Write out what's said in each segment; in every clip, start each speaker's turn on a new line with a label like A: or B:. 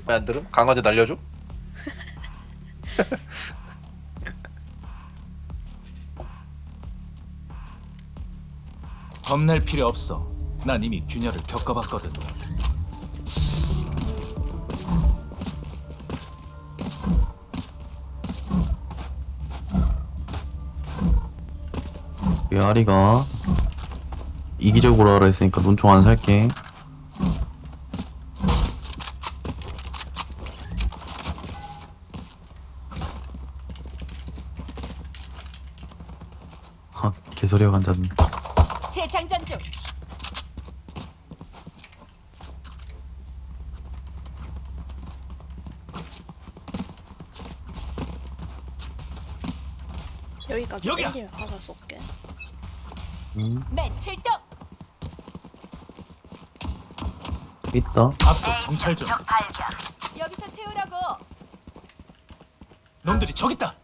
A: 왜 안 들음? 강아지 날려줘?
B: 겁낼 필요 없어. 난 이미 균열을 겪어봤거든.
C: 메아리가 이기적으로 하라 했으니까 논총 안 살게. 개소리가 앉았네.
D: 재장전 중.
E: 여기까지
B: 여기야!
E: 땡기면 가서 쏠게.
D: 매 출동.
C: 있다.
B: 앞쪽 정찰 중.
D: 여기서 채우라고.
B: 놈들이 저기 있다.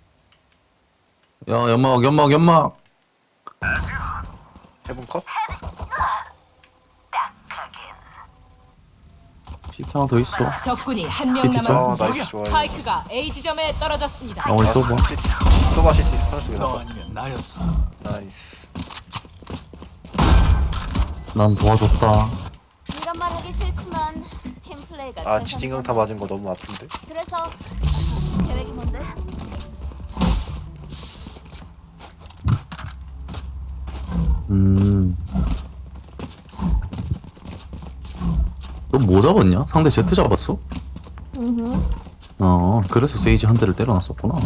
C: 야, 연막.
A: 해본 컷?
C: 시트 하나 더 있어.
D: 적군이 한 명
C: 시티 점.
A: 아
D: 남았습니다.
A: 나이스 좋아요.
D: 스파이크가 A 지점에 떨어졌습니다.
C: 나머지 써봐.
A: 써봐 시티 하나 쓰게
B: 너
A: 나서
B: 아니면 나였어.
A: 나이스.
C: 난 도와줬다.
F: 이런 말 하기 싫지만 팀 플레이가
A: 아 지진강타 맞은 거 너무 아픈데?
F: 그래서 계획이 뭔데?
C: 너 뭐 잡았냐? 상대 제트 잡았어? 그래서 세이지 한 대를 때려놨었구나.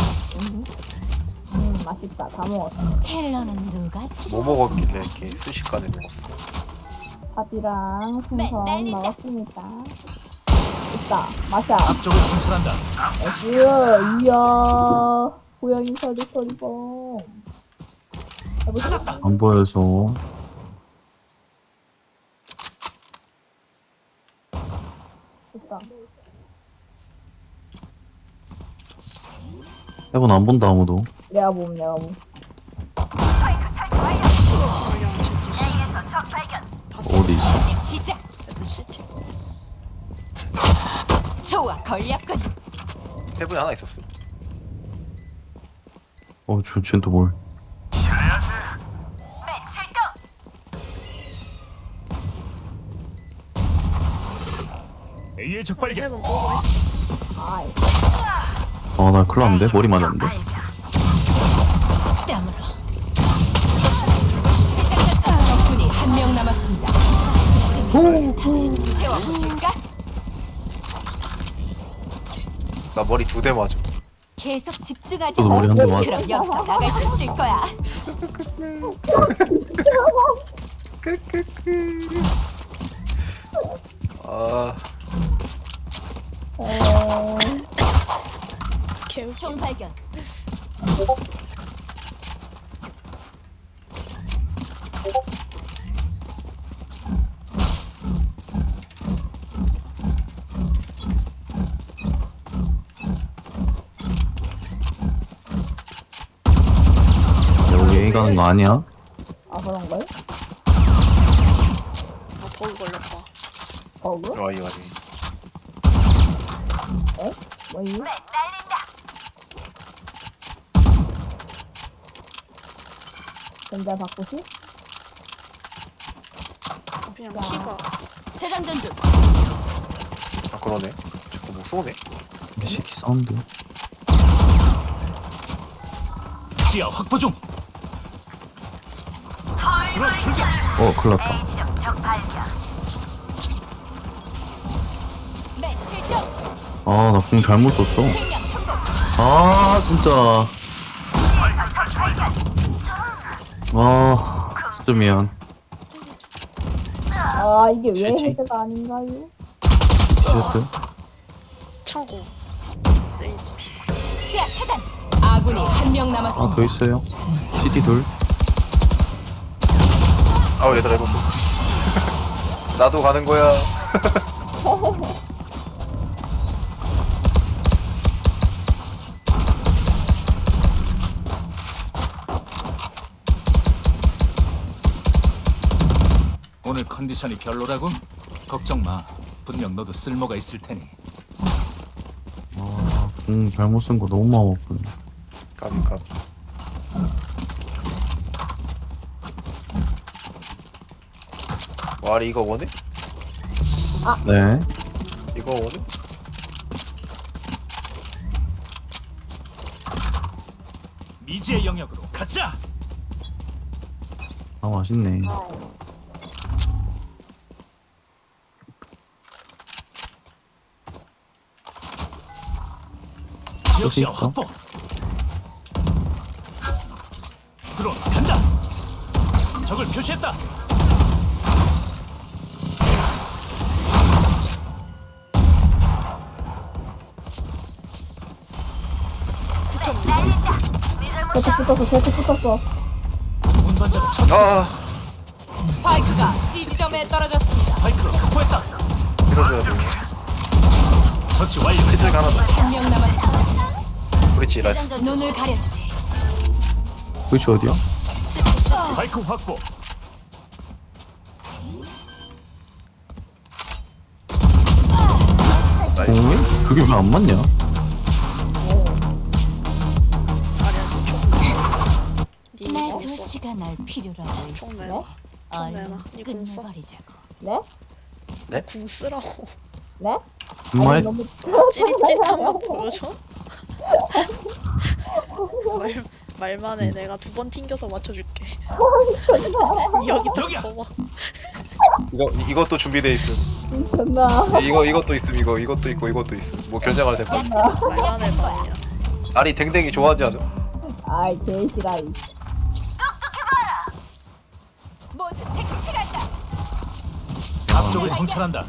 G: 맛있다. 다 먹었어.
F: 헬러는 누가
A: 뭐 먹었길래 이렇게 순식간에 먹었어?
G: 밥이랑
F: 네,
G: 생선
F: 날린다.
G: 먹었습니다. 있다. 마샤.
B: 앞쪽을 정찰한다.
G: 나이스. 이야. 고양이 소리봉.
B: 찾았다.
C: 안 보여서.
G: 있다.
C: 해본 안 본다 아무도.
G: 내가 봄.
E: 그냥 진짜
C: 어디 있어?
D: 시작.
E: 애들 시티.
D: 좋아, 걸렸군.
A: 해본이 하나 있었어.
C: 쟤는 또 뭘?
D: 매 출동.
B: A의 적발견.
E: 해본 보고 있어.
G: 아이.
C: 나 큰일 났는데? 머리 맞았는데?
D: 땀으로. 적군이 한 명 남았습니다. 채워볼까?
A: 나 머리 2대 맞아.
D: 계속 집중하자.
C: 저도 머리 한 대 맞아.
D: 그럼 여기서 나갈 수 있을 거야.
A: 아
E: 개웃기.
D: 총 발견.
C: 여기 A 가는 거 아니야?
G: 아 그런걸?
E: 아 버그 걸렸다.
G: 버그?
A: 와이 와이.
G: 뭐이? 근데 바꾸시?
E: 그냥
G: 자.
E: 키가
D: 재장전 중.
A: 아 그러네. 자꾸 뭐 쏘네.
C: 시티 사운드.
B: 시야 확보 중. 드론 출격.
C: 큰일 났다.
D: 매 출동.
C: 나 공 잘못 썼어.
D: 실명 성공.
C: 진짜. 진짜 미안.
G: 아 이게 왜
C: 실제?
G: 헤드가 아닌가요?
C: 티셔츠?
E: 창고. 세이지.
D: 시야 차단. 아군이 한 명 남았습니다.
C: 더 있어요. 시티 둘.
A: 아우 얘들아 이거 좀. 나도 가는 거야.
B: 오늘 컨디션이 별로라고? 걱정 마. 분명 너도 쓸모가 있을 테니.
C: 잘못 쓴 거 너무 마음 아프네.
A: 까비. 와리 이거 원해?
C: 네.
A: 이거 원해?
B: 미지의 영역으로 가자.
C: 아, 맛있네.
B: 지역 시야
C: 있어?
B: 확보. 드론 간다. 적을 표시했다.
G: 제트 붙었어.
B: 운반자를 처치.
A: 아
D: 스파이크가 C 지점에 떨어졌습니다.
B: 스파이크를 확보했다.
A: 밀어줘야 돼.
B: 처치 완료.
A: 피틀 하나 더.
D: 한 명 남았습니다.
A: 브리치 라이스.
D: 눈을 가려주지.
C: 그치 어디야?
B: 스파이크 확보.
A: 나이스.
C: 어? 그게 왜 안 맞냐?
E: 니
F: 내
E: 없어.
F: 도시가 날 필요로 하고
E: 총
F: 있어.
E: 내놔.
F: 얼른
E: 내놔. 니궁 써.
F: 끝내버리자고.
G: 네?
E: 궁 쓰라고.
G: 네?
C: 정말
G: 아니, 너무
E: 찌릿찌릿한만 보여줘? 말만 해. 내가 2번 튕겨서 맞춰줄게. 여기
B: 여기야.
E: 딱 봐봐.
A: 이것도 준비돼 있음.
G: 미쳤나?
A: 이것도 있음. 이것도 있고 이것도 있음. 뭐 결정할 때 봐.
E: 말만 해, 말이야.
A: 아니 댕댕이 좋아하지 않음?
G: 아이 개시라이.
D: 모두 색칠 간다.
B: 앞쪽을 정찰한다.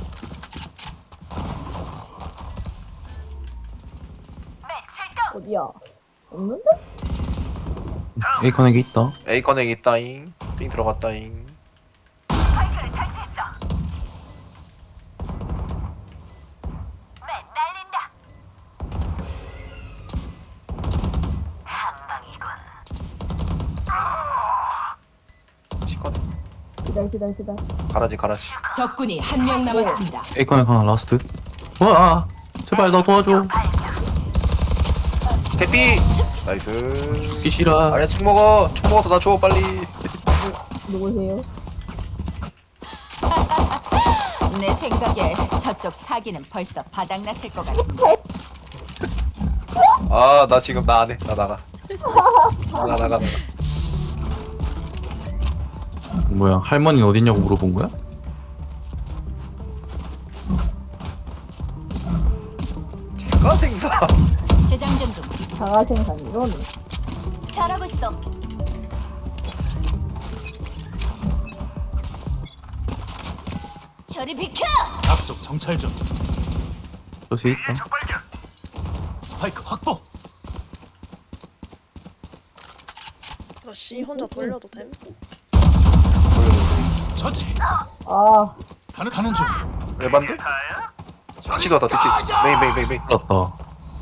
G: 어디야? 없는데?
C: A 커넥이 있다.
A: A 커넥 있다잉. 삥 들어갔다잉. 시커넥.
G: 기다려.
A: 가라지.
D: 적군이 한 명 남았습니다.
C: A 커넥 하나 라스트. 와, 제발 나 도와줘.
A: 대피. 나이스.
C: 죽기 싫어.
A: 아니야 총 먹어. 총 먹어서 나 줘 빨리.
G: 누구세요?
D: 내 생각에 저쪽 사기는 벌써 바닥났을 것 같은데.
A: 아 나 지금 나 안 해. 나 나가. 나가.
C: 뭐야, 할머니는 어딨냐고 물어본 거야?
A: 제가 생사.
D: 재장전 중.
G: 자가 생산 이러네.
F: 잘하고 있어. 저리 비켜!
B: 앞쪽 정찰 중.
C: 저기 있다.
B: 스파이크 확보.
E: 이거 C 혼자 돌려도 됨?
B: 처치.
G: 아,
B: 가는 중.
A: 에반데? 득치도 왔다 득치. 메인.
C: 맞다.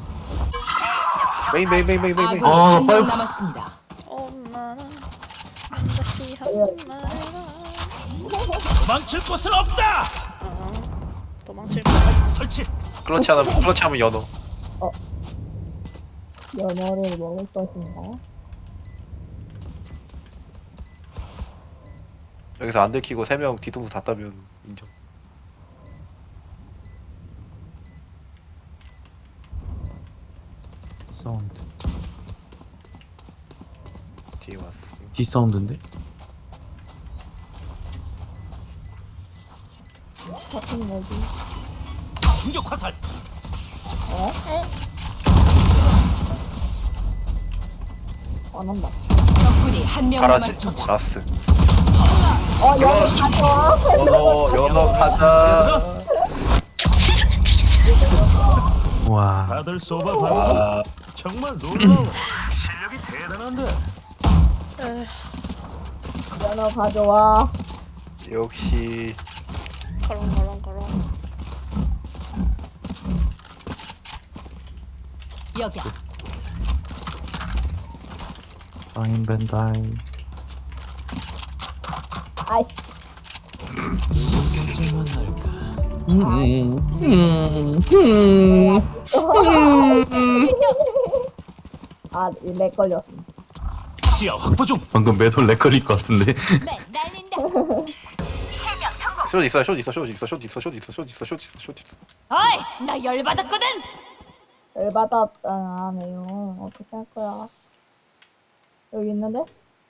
A: 메인.
D: 아군이
C: 아,
D: 한 명
C: 빨리.
D: 남았습니다.
E: 엄마나 다시 한 말아.
B: 도망칠 곳은 없다.
E: 도망칠 거야.
B: 설치.
A: 클러치 하면 연어.
G: 연어를 먹을 것인가?
A: 여기서 안 들키고 3명 뒤통수 다 따면 인정.
C: 사운드.
A: 뒤에 왔어.
C: D 사운드인데?
G: 같은 뭐지?
B: 충격 화살.
G: 안 한다.
D: 적군이 한 명
A: 가라지.
D: 남았습니다.
A: 라스.
G: 연어 가져와.
A: 연어 가자.
C: 와,
B: 다들 쏘봐봤어.
A: 아,
B: 정말 놀라워. 실력이 대단한데.
G: 연어 가져와.
A: 역시
E: 가롱.
D: 여기야.
C: 다인 벤다인.
G: 아이씨.
B: 언제 만날까?
G: 아, 렉 걸렸어.
B: 시야 확보 중.
C: 방금 매돌 렉 걸릴 것 같은데.
F: 맨 날린다. 실명 성공.
A: 숏 있어, 숏 있어, 숏 있어, 숏 있어, 숏 있어, 숏 있어, 숏 있어, 숏 있어.
F: 어이, 나 열받았거든.
G: 열받았잖아요. 어떻게 할 거야? 여기 있는데?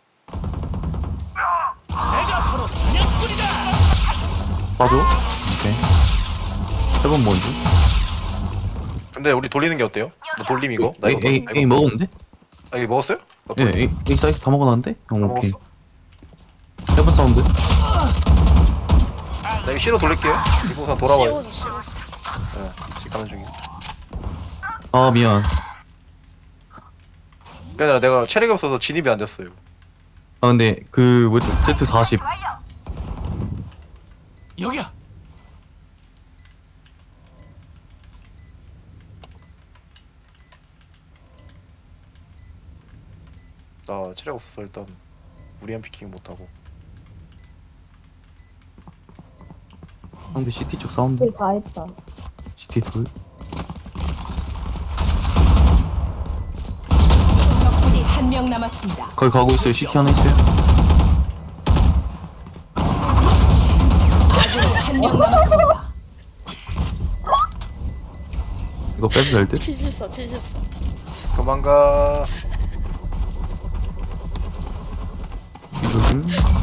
B: 내가 바로 사냥꾼이다.
C: 봐줘. 오케이. 해본 뭔지.
A: 근데 우리 돌리는 게 어때요? 너 돌림 이거? 나 이거
C: A,
A: 나
C: A
A: 이거
C: 먹었는데?
A: 아, 이거 먹었어요? 나
C: 예,
A: 돌림
C: A 사이트 다 먹어놨는데? 오케이.
A: 먹었어?
C: 해본 사운드.
A: 나 이거 C로 돌릴게요. 이거 우선 돌아와요.
E: 씌워서
A: 네, 지금 가는 중이야.
C: 아, 미안.
A: 그냥 내가 체력이 없어서 진입이 안 됐어요.
C: 아, 근데, 그, 뭐지? Z40.
B: 여기야.
A: 나 체력 없어서 일단 무리한 피킹 못하고.
C: 상대 CT 쪽 사운드.
G: 길 다 했다.
C: CT 돌.
F: 적군이 한 명 남았습니다.
C: 거기 가고 있어요. CT 하나 있어요.
F: 아군이 한 명 남았습니다.
C: 이거 빼도 될 듯?
E: 뒤졌어.
A: 도망가.
C: 이 조심.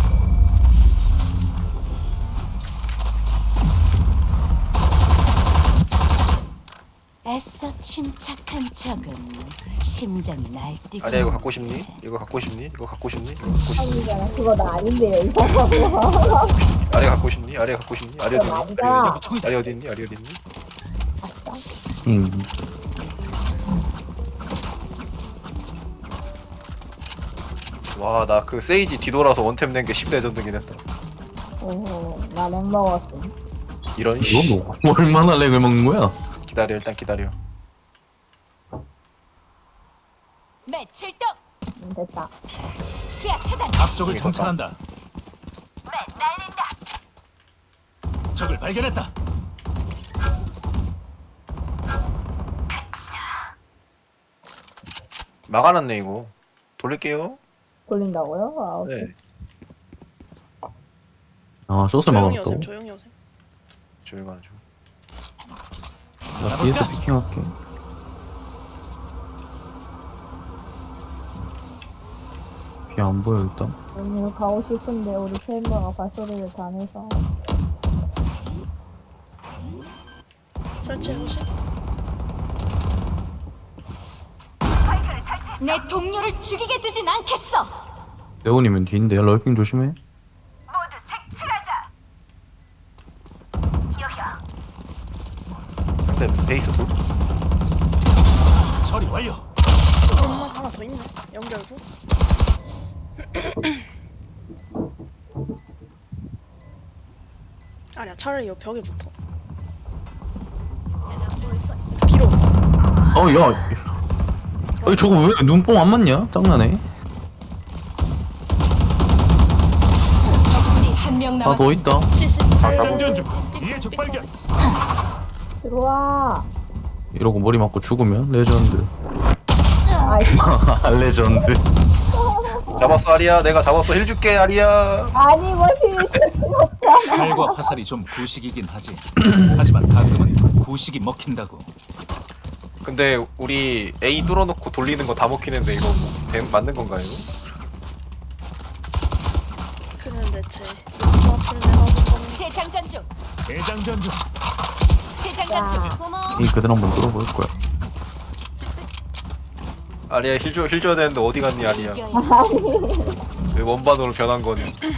F: 애써 침착한 척은 심장이 날뛰고.
A: 아니야, 이거 갖고 싶니? 이거 갖고 싶니? 이거 갖고 싶니? 이거 갖고 싶니?
G: 아니잖아. 그거 나 아닌데요, 이 사람.
A: 아래 갖고 싶니? 아래 갖고 싶니? 아래 어디 있니?
G: 아니다.
A: 아래 어디 있니? 아래 어디 있니? 아래 어디 있니?
G: 아싸.
A: 와, 나 그 세이지 뒤돌아서 원템 낸 게 10레전드긴 했다.
G: 오호, 나 렉 먹었어.
A: 이런 씨.
C: 이거 뭐, 얼마나 렉을 먹는 거야?
A: 기다려, 일단 기다려.
F: 매 출동.
G: 됐다.
F: 시야 차단.
B: 앞쪽을 정찰한다.
F: 맨 날린다.
B: 적을 발견했다.
A: 막아놨네 이거. 돌릴게요.
G: 돌린다고요? 아, 오케이.
A: 네.
C: 아, 숏을
E: 조용히
C: 막아놨다고?
E: 오셈. 조용히 오셈.
A: 조용히 하는 중.
C: 나 뒤에서 피킹할게. 비 안 보여, 일단.
G: 언니 가고 싶은데 우리 챔버가 발소리를 다 내서
E: 설치해보시.
F: 내 동료를 죽이게 두진 않겠어.
C: 레온이면 뒤인데, 럴킹 조심해.
F: 모두 색출하자. 여기야.
A: 상대 베이스 돌.
B: 처리 완료.
E: 엄마 하나 더 있네. 연결부. 아니야, 차라리 이 벽에 붙어. 뒤로.
C: 야. 아니, 저거 왜 눈뽕 안 맞냐? 짱나네.
F: 적군이 한 명
C: 하나 더
F: 남았습니다.
C: 있다.
E: 시시시.
B: 장전 중. 이에 적 발견.
G: 들어와.
C: 이러고 머리 맞고 죽으면 레전드.
G: 아이씨.
C: 레전드.
A: 잡았어 아리야. 내가 잡았어. 힐 줄게 아리야.
G: 아니 뭐 힐줬잖아.
B: 칼과 화살이 좀 구식이긴 하지. 하지만 가끔은 구식이 먹힌다고.
A: 근데 우리 A 뚫어놓고 돌리는 거 다 먹히는데 이거 맞는 건가요?
E: 그는 대체 수업을 내가 본 거는
F: 재장전 중.
B: 대장전 중.
F: 재장전 중. 고마워.
C: 이 그대로 한번 뚫어볼 거야.
A: 아리야 힐 줘야 되는데 어디 갔니 아리야?
F: 이겨야지.
A: 왜 원반으로 변한 거니?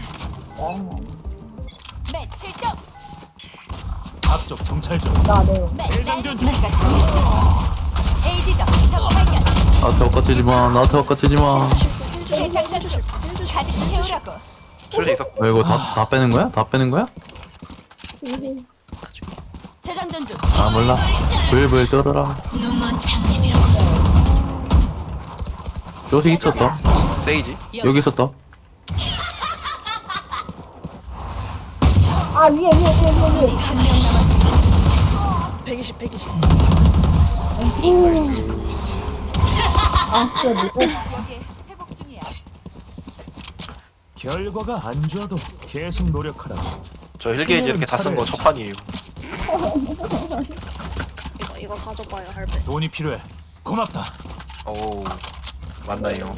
F: 매 출동.
B: 앞쪽 정찰 중.
G: 나 내용.
F: 매
B: 대장전 중.
F: 내가 당했어. A 지점 적 발견.
C: 나한테 엇가치지 마. 나한테 엇가치지 마.
F: 재장전 중. 가득 채우라고.
A: 술수 있어.
C: 왜 이거 다 빼는 거야? 다 빼는 거야?
F: 재장전 중.
C: 아, 몰라. 불불 떨어라.
F: 눈먼 장님이라고.
C: 숏이 있었다.
A: 세이지.
C: 여기 있었다.
G: 아 위에.
F: 한 명 남았습니다.
E: 120.
G: 아, 진짜 누구?
D: 여기 회복 중이야.
B: 결과가 안 좋아도 계속 노력하라.
A: 저 힐게이지 이렇게 다 쓴 거 첫 판이에요.
E: 이거 가져봐요 할배.
B: 돈이 필요해. 고맙다.
A: 오 맞나요?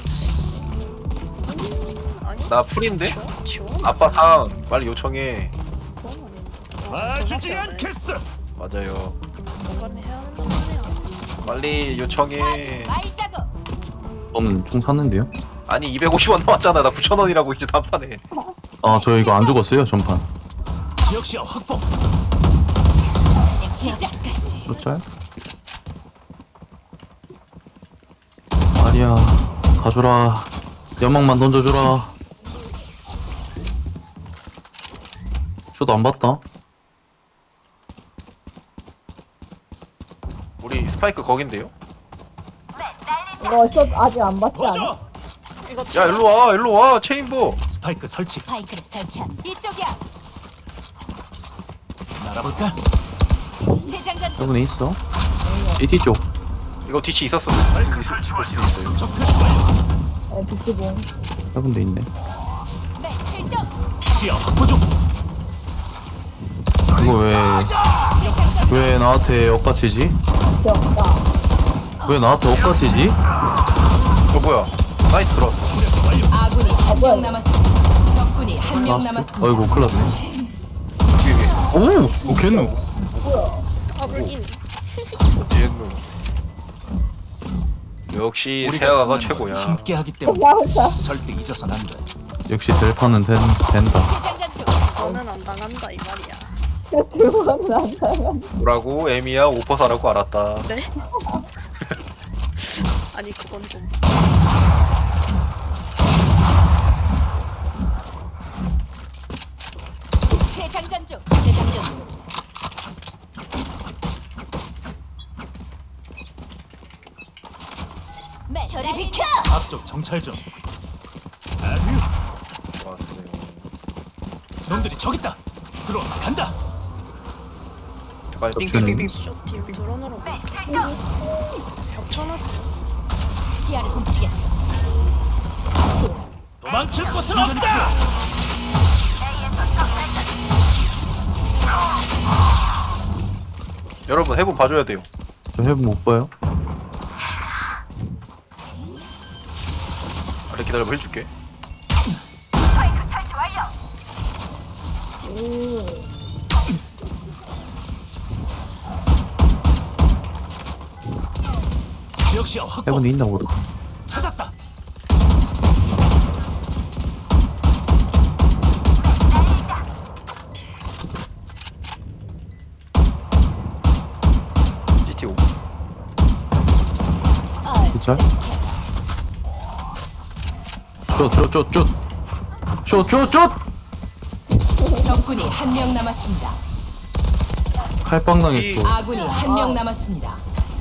E: 아니?
A: 나 풀인데?
E: 지원?
A: 아빠 상 빨리 요청해.
E: 그건 아닌데.
B: 봐주지 않겠어.
A: 맞아요.
E: 뭔가 해야 된단 말이야.
A: 빨리 요청해.
D: 말자고.
C: 저는 총 샀는데요.
A: 아니 250원 나왔잖아. 나 9,000원이라고 이제 단판에.
C: 아, 저 이거 안 죽었어요, 전판.
B: 지역시야 확보.
D: 시작까지.
C: 쫓아요? 아리야, 가주라. 연막만 던져주라. 쇼도 안 봤다.
A: 우리 스파이크 거긴데요?
G: 이거 숏 아직 안 봤지 않아?
B: 도저.
E: 이거
A: 야 일로 와 일로 와 체인보.
B: 스파이크 설치.
F: 파이크를 설치한
D: 이쪽이야.
B: 날아볼까?
D: 재장전 중.
C: 여분에 있어. CT 쪽.
A: 이거 뒤치 있었어. 볼 수도 있어요.
B: 적 표시 완료.
G: 네, 비키봉.
C: 여분데 있네.
D: 네, 출동.
B: 시야 확보 중.
C: 이거 왜 나한테 엇가치지?
G: 귀엽다.
C: 왜 나한테 엇가치지?
A: 뭐야? 사이트 들어왔어.
F: 아군이 한
G: 뭐야,
F: 명
G: 이거.
F: 남았습니다. 적군이 한 명
C: 라스트.
F: 남았습니다.
C: 어이구, 큰일 났네.
A: 위에
C: 오! 겠누.
E: 아블인.
A: 얘는 역시 세아가
B: 만나는 건
A: 최고야.
B: 함께하기 때문에
G: 야자.
B: 절대 잊어선 안 돼.
C: 역시 델파는 된다.
D: 재장전 중.
E: 너는 안 당한다 이 말이야.
G: 두 번은 안 당한.
A: 뭐라고? 에미야 오퍼사라고 알았다.
E: 네? 아니 그건 좀.
D: 재장전 중.
F: 재장전 중.
D: 매
F: 저리 비켜!
B: 앞쪽 정찰 중. 아휴,
A: 좋았어요.
B: 놈들이 저기 있다. 들어 간다.
A: 잠깐
C: 겹치는.
A: 빙빙빙빙.
E: 쇼팀 드론으로 겹쳐놨어.
F: 시야를 훔치겠어.
B: 도망칠 곳은 없다.
A: 여러분 해본 봐줘야 돼요.
C: 저 해본 못 봐요.
A: 그래 기다려봐 해줄게.
B: 지역시야 확보.
C: 해본에 있나 보다.
B: 찾았다.
A: CT5.
C: 그쵸? 쫓!
F: 적군이 한 명 남았습니다.
C: 칼빵 당했어.
F: 아군이 한 명 남았습니다.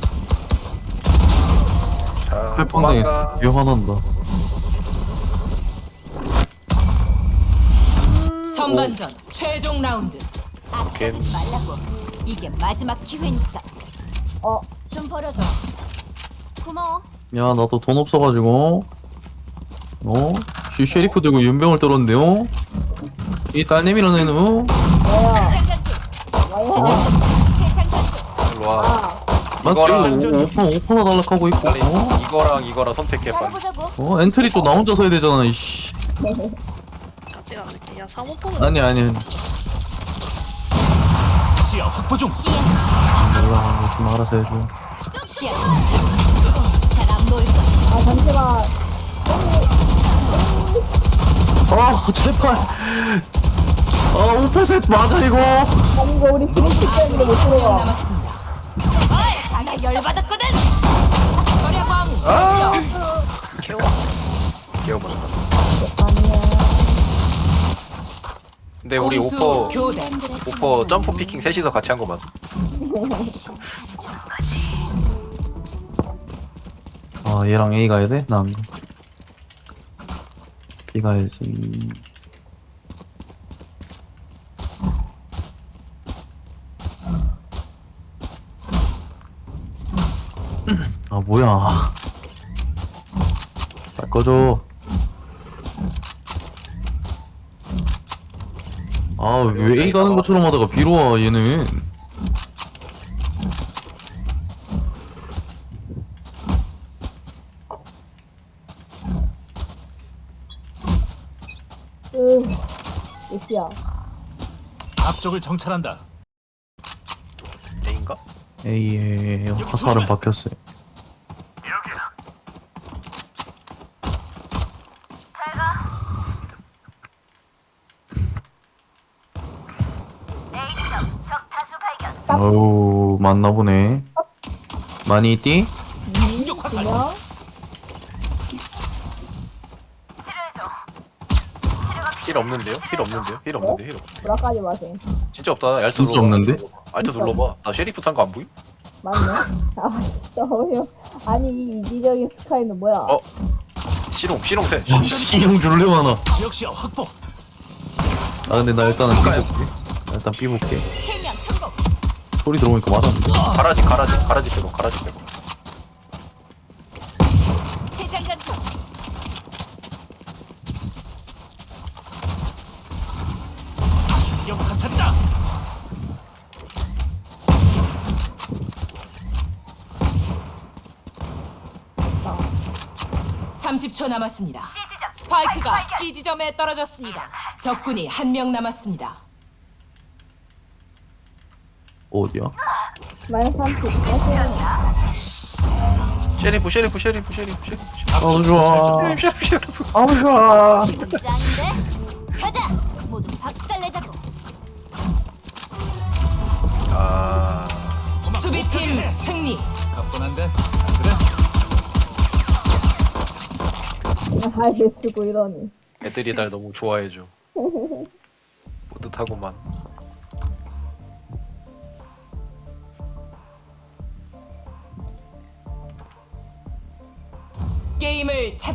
A: 자
C: 칼빵 당했어.
A: 도망가.
C: 이거 화난다.
F: 전반전 최종 라운드.
D: 아껴두지 말라고. 이게 마지막 기회니까.
G: 어,
D: 좀 버려줘. 고마워.
C: 야, 나도 돈 없어가지고. 쉐리프 들고 윤병을 떨었는데요. 이 딸내미라는 애는
G: 뭐야.
D: 재장전 중.
G: 와야.
D: 재장전 중.
A: 일로 와.
G: 아,
C: 맞지? 오퍼나 달락하고 있고.
A: 빨리 이거랑 선택해 빨리.
D: 잘해보자고.
C: 엔트리 또 나 혼자서 해야 되잖아. 이씨.
E: 같이 않을게. 야 사모포는
C: 아니.
B: 시야 확보 중.
C: 몰라. 좀 알아서 해줘.
F: 시야를 훔쳐. 잘안 보일 거야.
G: 아, 잠시만.
C: 제발. 오퍼셋 맞아, 이거.
G: 아니, 이거 우리 브리치 때문에 못
F: 한 명
G: 들어가.
F: 남았습니다.
D: 나 열받았거든.
E: 개워.
A: 개워봐.
G: 아니야.
A: 근데 우리
F: 공수
A: 오퍼
F: 교대.
A: 점프 피킹 셋이서 같이 한 거 맞아?
C: 얘랑 A 가야 돼? 난 B 가야지. 아 뭐야. 빨리 꺼줘. 아 왜 A 가는 것처럼 하다가 B로 와 얘는.
G: 몇시야?
B: 앞쪽을 정찰한다.
A: A인가?
C: A의 화살은 박혔어요. 어우 맞나보네. 많이 있디?
B: 충격 화살.
G: 그냥
A: 힐 없는데요? 힐 없는데요? 힐 없는데 힐 없.
G: 뭐라까지 마세요.
A: 진짜 없다. 알트
C: 진짜
A: 눌러봐.
C: 없는데?
A: 알트 눌러봐. 나 쉐리프 산 거 안 보임?
G: 맞네. 아 진짜 어려. 아니 이 이기적인 스카이는 뭐야?
A: 어? 시롱새.
C: 씨형 줄래 많아.
B: 역시야 확보.
C: 아 근데 나 일단은 B 볼게. 나 일단 B 볼게.
D: 실명 성공.
C: 소리 들어오니까 맞았는데.
A: 가라지 빼고.
D: 재장전 중.
B: 충격 화살이다.
G: 아,
F: 30초 남았습니다. 스파이크가 C 지점에 떨어졌습니다. 적군이 한 명 남았습니다.
C: 어디야?
G: 마이너스 30. 마이너스
A: 쉐리프.
C: 아우 좋아.
A: 쉐리프.
C: 아우 좋아.
D: 기분 짱인데? 가자. 모두 박살내자고.
A: 아.
F: 수비팀 승리.
B: 가뿐한데 안 그래?
G: 하이를 쓰고 이러니.
A: 애들이 날 너무 좋아해줘. 뿌듯하고만.
F: 게임을 찾